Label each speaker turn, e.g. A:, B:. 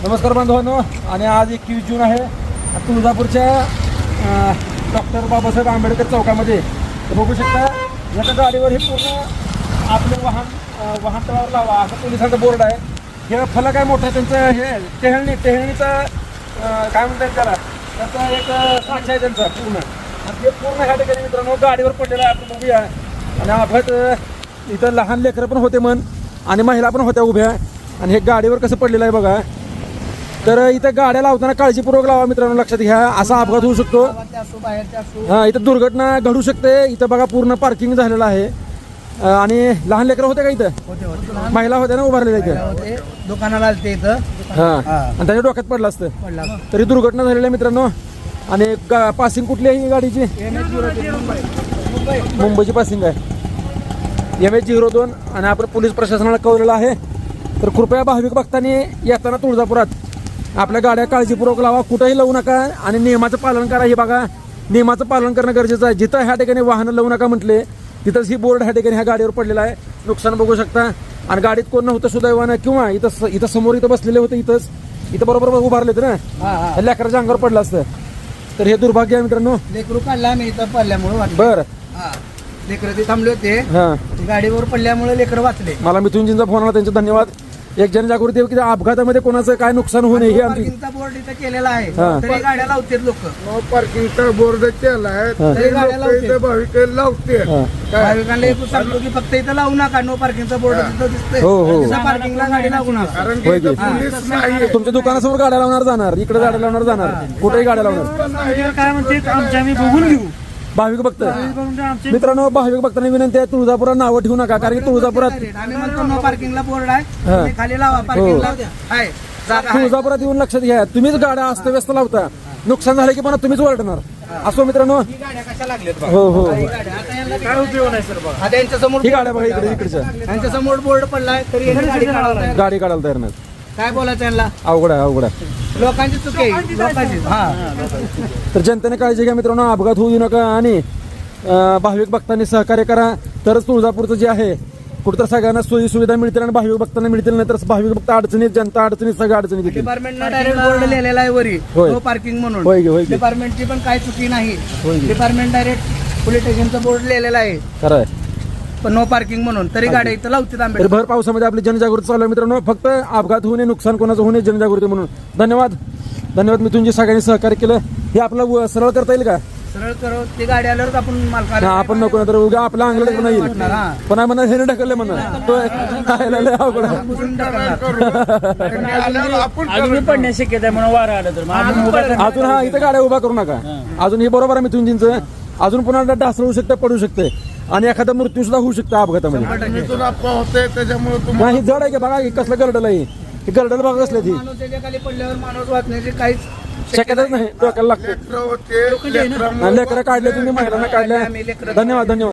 A: नमस्कार बांधवांनो. आणि आज 21 जून आहे. तुळजापूरच्या डॉक्टर बाबासाहेब आंबेडकर चौकामध्ये बघू शकता याच्या गाडीवर हे पूर्ण आपलं वाहन तळावर लावा असं पोलिसांचा बोर्ड आहे. हे फलक आहे मोठं त्यांचं. हे टेहळणीचा काय म्हणतात त्याला, त्याचा एक साक्ष आहे त्यांचा पूर्ण. आणि हे पूर्ण ह्या ठिकाणी मित्रांनो गाडीवर पडलेलं आहे. आपण बघूया. आणि अपघात इथं लहान लेकरं पण होते आणि महिला पण होत्या उभ्या. आणि हे गाडीवर कसं पडलेलं आहे बघा. तर इथं गाड्या लावताना काळजीपूर्वक लावा मित्रांनो, लक्षात घ्या. असा अपघात होऊ शकतो. हा, इथं दुर्घटना घडू शकते. इथं बघा पूर्ण पार्किंग झालेलं आहे. आणि लहान लेकरं होते का इथं? महिला होत्या ना उभारलेल्या इथे
B: दुकानाला आलते इथं.
A: हा, आणि त्याच्या डोक्यात पडलं असतं तरी दुर्घटना झालेली आहे मित्रांनो. आणि पासिंग कुठली आहे ही गाडीची? मुंबईची पासिंग आहे, MH02. आणि आपण पोलीस प्रशासनाला कळवलेलं आहे. तर कृपया भाविक भक्तांनी येताना तुळजापुरात आपल्या गाड्या काळजीपूर्वक लावा, कुठेही लावू नका आणि नियमाचं पालन करा. हे बघा, नियमाचं पालन करणं गरजेचं आहे. जिथं ह्या ठिकाणी वाहनं लावू नका म्हटले तिथंच ही बोर्ड ह्या ठिकाणी ह्या गाडीवर पडलेला आहे. नुकसान बघू शकता. आणि गाडीत कोण नव्हतं सुदैवानं, किंवा इथं समोर इथं बसलेले होते. इथं बरोबर उभारले होते ना, लेकराच्या अंगावर पडलं असतं. तर हे दुर्भाग्य आहे मित्रांनो.
B: लेकरू काढला मी इथं पडल्यामुळे.
A: बरं,
B: लेकर ते थांबले होते,
A: हा,
B: गाडीवर पडल्यामुळे लेकर वाचले.
A: मला मिथुनजींचा फोन आला, त्यांचे धन्यवाद. एक जनजागृती की अपघातामध्ये कोणाचं काय नुकसान होऊ नये हे आमची.
B: पार्किंगचा बोर्ड इथं केलेला आहे, तरी गाड्या लावतात लोक.
C: नो पार्किंगचा बोर्ड केला आहे,
B: तरी गाड्या लावतात.
C: भाविक लावते.
B: भाविकांना एक सांगतो की फक्त इथं लावू नका. नो पार्किंगचा बोर्ड तिथं दिसतोय,
A: हो, हो.
B: तिथं पार्किंगला गाडी लागू नका.
C: कारण की इथं पोलीस नाही.
A: तुमच्या दुकानासमोर गाड्या लावणार जाणार, इकडे गाड्या लावणार जाणार, कुठेही गाड्या लावणार.
B: काय म्हणते आमच्या आम्ही बघून घेऊ.
A: भाविक भक्त मित्रांनो, भाविक भक्तांनी विनंती आहे, तुळजापुरात नावं ठेवू नका. कारण की तुळजापुरात
B: आम्ही म्हणतो नो पार्किंगला बोर्ड आहे, तुम्ही खाली लावा. पार्किंगला आहे जागा आहे.
A: तुळजापुरात येऊन लक्षात घ्या, तुम्हीच गाड्या अस्तव्यस्त लावता. नुकसान झालं की पण तुम्हीच ओरडणार. असो मित्रांनो.
B: ही गाड्या कशा लागल्यात बघा.
A: हो हो,
B: ही गाड्या आता यांना काय उपयोग नाही सर बघा. आता यांच्या समोर
A: ही गाड्या बघा इकडच्या
B: यांच्या समोर बोर्ड पडलाय, तरी यांनी गाडी काढायला
A: गाडी काढायला तयार नाही.
B: काय बोलायचं यांना?
A: अवघड आहे.
B: लोकांची चुकी आहे, लोकांची. हा,
A: तर जनतेने काळजी घ्या मित्रांनो, अपघात होऊ नका. आणि भाविक भक्तांनी सहकार्य करा, तरच तुळजापूरचं जे आहे कुठं सगळ्यांना सोयी सुविधा मिळतील आणि भाविक भक्तांना मिळतील. नाही तर भाविक भक्त अडचणीत, जनता अडचणीत, सगळ्या अडचणीत येतील.
B: डिपार्टमेंटनं डायरेक्ट बोर्ड लिहिलेला आहे वरी,
A: होय.
B: नो पार्किंग म्हणून.
A: होय की, होय की.
B: डिपार्टमेंटची पण काय चुकी नाही.
A: होय की.
B: डिपार्टमेंट डायरेक्ट पोलीस स्टेशनचा बोर्ड लिहिलेला आहे,
A: खरं आहे.
B: पण नो पार्किंग म्हणून, तरी गाड्या इथं लावतात
A: तर
B: आंबेडकर.
A: भर पावसामध्ये आपली जनजागृती चालू आहे मित्रांनो. फक्त अपघात होऊ नये, नुकसान कोणाचं होऊ नये, जनजागृती म्हणून. धन्यवाद. मिथुनजी, सगळ्यांनी सहकार्य केलं. हे आपलं सरळ करता येईल का?
B: सरळ करो, ती गाडी आल्यावर आपण मालकाला
A: आपण नको ना तर उगा आपला अंगलट पण येईल. पण म्हणा हे ढकलले म्हणा अवघड आहे.
D: अजून पडण्याची शक्यता आहे म्हणून वारा आलं तर
A: अजून हा इथं गाड्या उभा करू नका. अजून हे बरोबर आहे मिथुनजींचं. अजून पुन्हा ढासळ होऊ शकतं, पडू शकते आणि एखादा मृत्यू सुद्धा होऊ शकतो अपघातामध्ये.
C: इथून अपघात होते त्याच्यामुळे तुम्हाला
A: नाही, जड आहे की बघा, कसलं गर्डल आहे हे. गर्डल बघा कसलं ती
B: माणूस त्याच्या खाली पडल्यावर माणूस वाचण्याची काहीच
A: शक्यताच नाही. डोक्याला लागते.
C: लेकरं होते, लेकरं
A: लेकरं काढले तुम्ही, महिलांना काढल्या. धन्यवाद.